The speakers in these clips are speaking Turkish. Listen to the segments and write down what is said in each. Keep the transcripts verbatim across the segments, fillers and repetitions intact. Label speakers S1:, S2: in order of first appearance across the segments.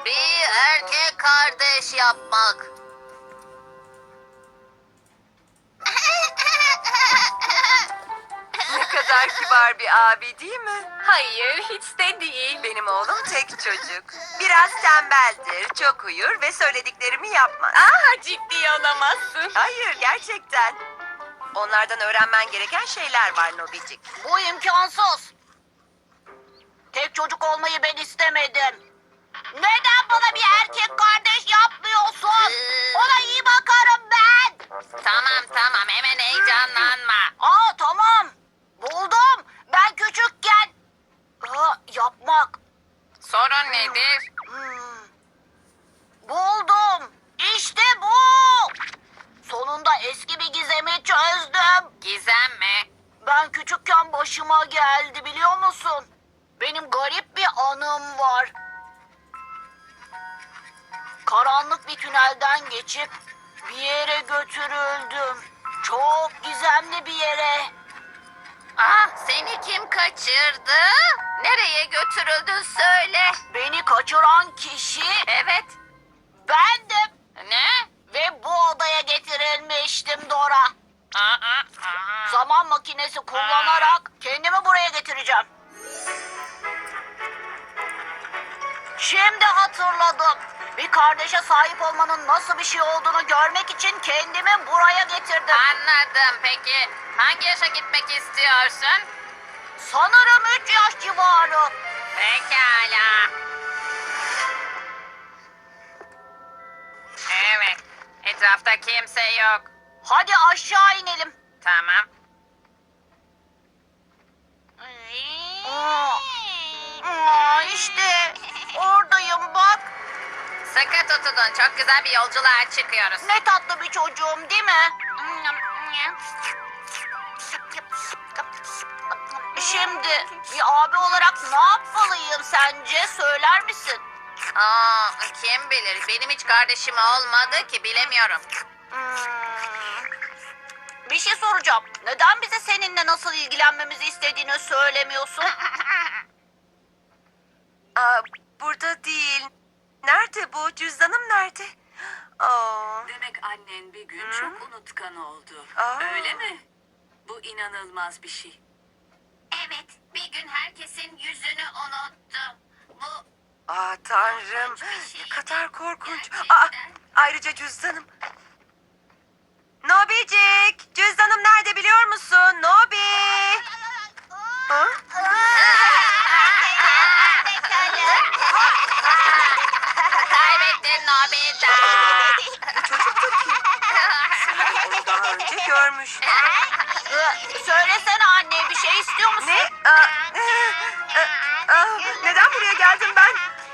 S1: Bir erkek kardeş yapmak.
S2: Ne kadar kibar bir abi değil mi?
S3: Hayır, hiç de değil.
S2: Benim oğlum tek çocuk. Biraz tembeldir, çok uyur ve söylediklerimi yapmaz.
S3: Aa, ciddi olamazsın.
S2: Hayır, gerçekten. Onlardan öğrenmen gereken şeyler var Nobicik.
S1: Bu imkansız. Tek çocuk olmayı ben istemedim. Neden bana bir erkek kardeş yapmıyorsun? Ona iyi bakarım ben. Tamam tamam hemen heyecanlanma. Aa tamam. Buldum. Ben küçükken. Aa, yapmak.
S3: Sorun nedir?
S1: Hmm. Buldum. İşte bu. Sonunda eski bir gizemi çözdüm.
S3: Gizem mi?
S1: Ben küçükken başıma geldi biliyor musun? Benim garip bir anım var. Karanlık bir tünelden geçip bir yere götürüldüm. Çok gizemli bir yere.
S3: Ah, seni kim kaçırdı? Nereye götürüldün söyle.
S1: Beni kaçıran kişi
S3: Evet.
S1: bendim.
S3: Ne?
S1: Ve bu odaya getirilmiştim Dora.
S3: Aa, aa, aa.
S1: Zaman makinesi kullanarak kendimi buraya getireceğim. Şimdi hatırladım. Bir kardeşe sahip olmanın nasıl bir şey olduğunu görmek için kendimi buraya getirdim.
S3: Anladım. Peki hangi yaşa gitmek istiyorsun?
S1: Sanırım üç yaş civarı.
S3: Pekala. Evet. Etrafta kimse yok.
S1: Hadi aşağı inelim.
S3: Tamam.
S1: Aa, aa, işte oradayım bak.
S3: Sıkı tutunun. Çok güzel bir yolculuğa çıkıyoruz.
S1: Ne tatlı bir çocuğum değil mi? Şimdi bir abi olarak ne yapmalıyım sence? Söyler misin?
S3: Aa, kim bilir? Benim hiç kardeşim olmadı ki bilemiyorum.
S1: Hmm. Bir şey soracağım. Neden bize seninle nasıl ilgilenmemizi istediğini söylemiyorsun?
S2: Aa, burada değil. Nerede bu? Cüzdanım nerede? Aa,
S4: Demek annen bir gün
S2: Hı?
S4: çok unutkan oldu.
S2: Aa.
S4: Öyle mi? Bu inanılmaz bir şey.
S3: Evet, bir gün herkesin yüzünü unuttum. Bu
S2: aa tanrım.
S3: Korkunç bir şey.
S2: Ne kadar korkunç.
S3: Gerçekten.
S2: Aa, ayrıca cüzdanım. Nobicik, cüzdanım nerede biliyor musun? Nobi. Ha?
S3: kaybettin Nobita.
S2: Bu çocuk da kim? Sanırım onu daha önce görmüştüm.
S1: Ee, Söylesene anne bir şey istiyor musun?
S2: Ne? Aa, e, e, aa, neden buraya geldim ben?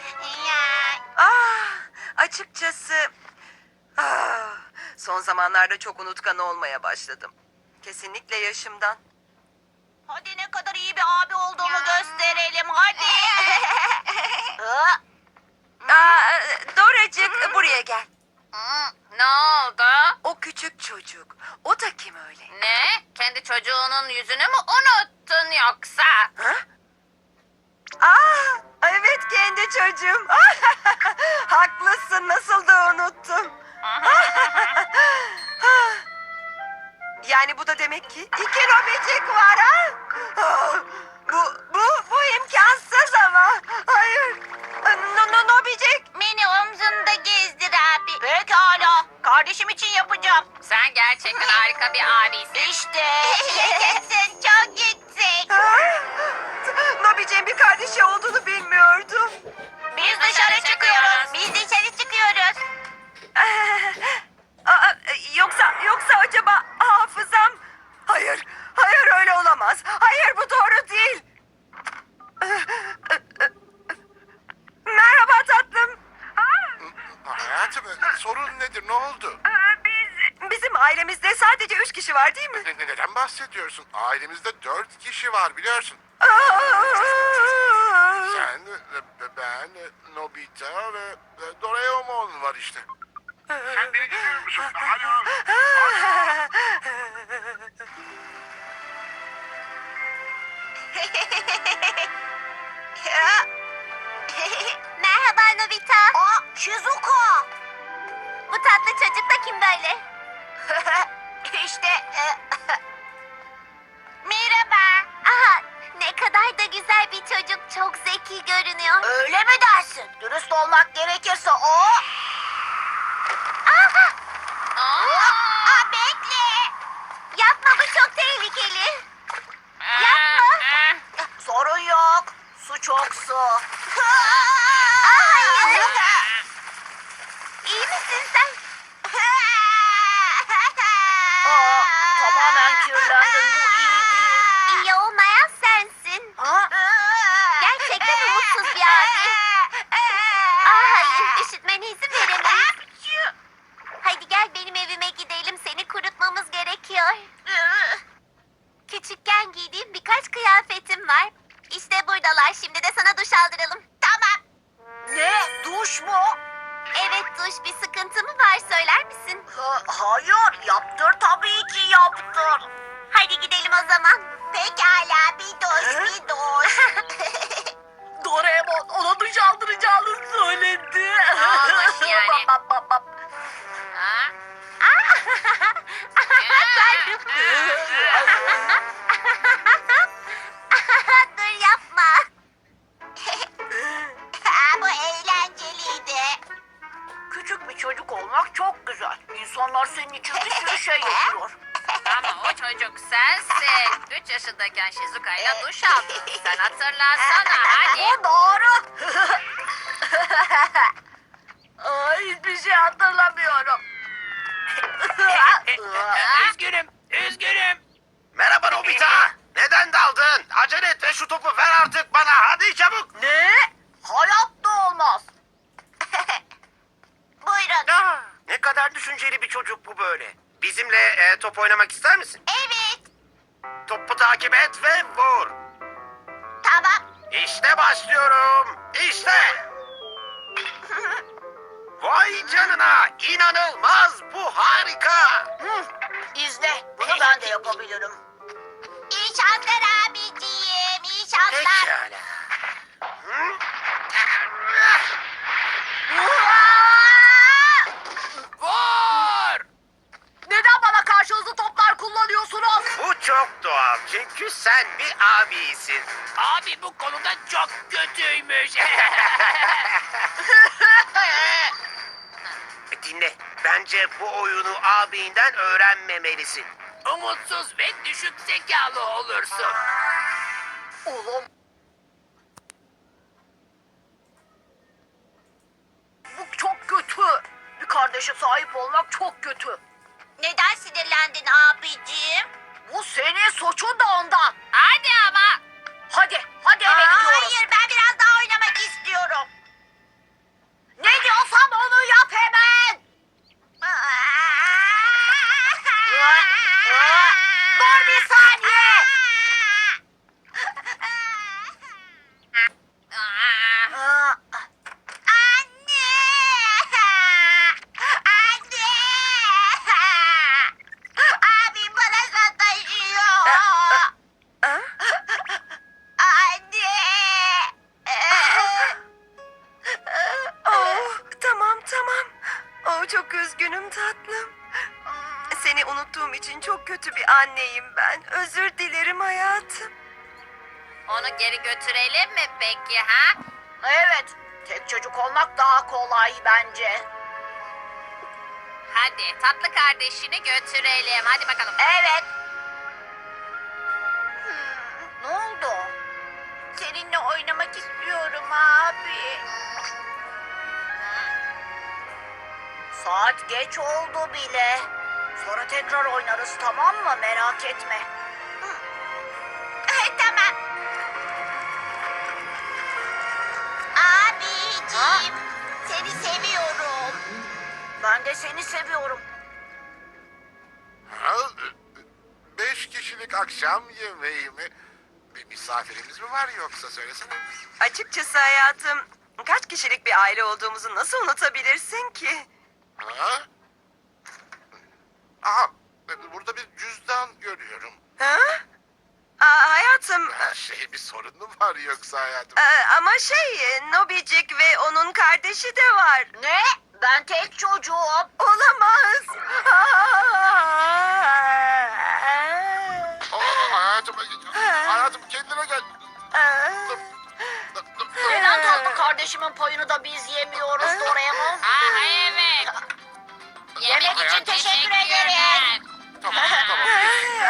S2: Ah, açıkçası ah, son zamanlarda çok unutkan olmaya başladım. Kesinlikle yaşımdan.
S1: Hadi ne kadar iyi bir abi olduğumu gösterelim hadi. Ee,
S2: Aa, Doracık buraya gel.
S3: Hı, ne oldu?
S2: O küçük çocuk. O da kim öyle?
S3: Ne? Kendi çocuğunun yüzünü mü unuttun yoksa?
S2: Ha? Aa, evet kendi çocuğum. Haklısın, nasıl da unuttum. Yani bu da demek ki iki Nobicik var ha? Ah, Bu, bu, bu imkansız ama. Hayır. No, no, Nobicik.
S1: Beni omzunda gezdir abi. Pekala. Kardeşim için yapacağım.
S3: Sen gerçekten harika bir abisin.
S1: İşte. Yaşasın çok yüksek.
S2: Ah, Nobicik'in bir kardeşi olduğunu bilmiyordum.
S1: Biz dışarı çıkıyoruz. Biz dışarı çıkıyoruz.
S2: Aa, yoksa yoksa acaba hafızam? Hayır, hayır öyle olamaz. Hayır bu doğru değil. Merhaba tatlım.
S5: Hayatım sorun nedir ne oldu?
S2: Aa, Biz bizim ailemizde sadece üç kişi var değil mi?
S5: Ne- ne- Neden bahsediyorsun? Ailemizde dört kişi var biliyorsun.
S2: Aa!
S5: Sen, e, ben, e, Nobita ve e, Doraemon var işte. Sen beni dinliyor musun? Alo.
S1: Merhaba Merhabalar Nobita. Aa, Shizuka. Bu tatlı çocuk da kim böyle? işte e, Merhaba. Aha, ne kadar da güzel bir çocuk. Çok zeki görünüyor. Öyle mi dersin? Dürüst olmak gerekirse o... Aha! Aa, bekle. Yapma, bu çok tehlikeli. Yapma. Sorun yok. Su çok su. Hayır. İyi misin sen? Aa, tamamen kirlendim. Bu iyi değil. İyi olmayan sensin. Ha? Gerçekten umutsuz bir abi. Aa, hayır, üşütmene izin veremeyiz. Hadi gel benim evime gidelim. Seni kurutmamız gerekiyor. Küçükken giydiğim birkaç kıyafetim var. İşte buradalar. Şimdi de sana duş aldıralım. Tamam. Ne? Duş mu? Evet duş. Bir sıkıntı mı var, söyler misin? Ha, hayır. Yaptır tabii ki yaptır. Hadi gidelim o zaman. Pekala, bir duş bir duş. Doraemon ona duş aldıracağını söyledi.
S3: Olmuş yani.
S1: Bap, bap, bap.
S3: Ha?
S1: Dur yapma. Bu eğlenceliydi. Küçük bir çocuk olmak çok güzel. İnsanlar senin için bir sürü şey yapıyor.
S3: Ama o çocuk sensin. Üç yaşındayken Shizuka'yla duş aldın. Sen hatırlarsana hadi.
S1: Bu doğru. Aa, hiçbir şey hatırlamıyorum.
S6: Üzgünüm, üzgünüm. Merhaba Nobita. Neden daldın? Acele et ve şu topu ver artık bana. Hadi çabuk.
S1: Ne? Hayatta olmaz. Buyurun.
S6: Ne kadar düşünceli bir çocuk bu böyle. Bizimle e, top oynamak ister misin?
S1: Evet.
S6: Topu takip et ve vur.
S1: Tamam.
S6: İşte başlıyorum. İşte. Vay canına. İnanılmaz. Bu harika.
S1: Hı, İzle. Bunu ben de yapabilirim. İyi şanslar abiciğim. İyi şanslar.
S6: Pekala. Hı? Vur!
S1: Neden bana karşı hızlı toplar kullanıyorsunuz?
S6: Bu çok doğal çünkü sen bir abisin.
S7: Abi bu konuda çok kötüymüş.
S6: Dinle, bence bu oyunu abinden öğrenmemelisin.
S7: Umutsuz ve düşük zekalı olursun.
S1: Oğlum. Bu çok kötü. Bir kardeşe sahip olmak çok kötü. Neden sinirlendin abiciğim? Bu senin suçun da ondan.
S3: Hadi ama.
S1: Hadi, hadi eve gidiyoruz. Hayır, ben biraz daha oynamak istiyorum. Ne diyorsam onu yap hemen. Dur bir saniye.
S3: Aa,
S1: Anne! Anne! Abim bana sataşıyor. Anne!
S2: Oh, tamam tamam. Oh, çok üzgünüm tatlım. Seni unuttuğum için çok kötü bir anneyim ben. Özür dilerim hayatım.
S3: onu geri götürelim mi peki ha?
S1: Evet, tek çocuk olmak daha kolay bence.
S3: Hadi tatlı kardeşini götürelim. Hadi bakalım.
S1: Evet. Hmm, ne oldu? Seninle oynamak istiyorum abi. Saat geç oldu bile. Sonra tekrar oynarız, tamam mı? Merak etme. Tamam. Abiciğim, seni seviyorum. Ben de seni seviyorum.
S5: Ha? Beş kişilik akşam yemeği mi? Bir misafirimiz mi var yoksa söylesene.
S2: Açıkçası hayatım, kaç kişilik bir aile olduğumuzu nasıl unutabilirsin ki?
S5: Ha? Aha, burada bir cüzdan görüyorum.
S2: Ha? Aa, hayatım,
S5: Her şey bir sorun mu var yoksa hayatım?
S2: e, ama şey, Nobicik ve onun kardeşi de var.
S1: Ne? Ben tek çocuğum.
S2: Olamaz.
S5: Aa, hayatım, hayatım kendine gel.
S1: Neden tatlı kardeşimin payını da biz yemiyoruz Doraemon?
S3: Ah evet.
S1: Yemek için teşekkür
S3: Teşekkürler.
S1: ederim.
S5: Tamam, tamam.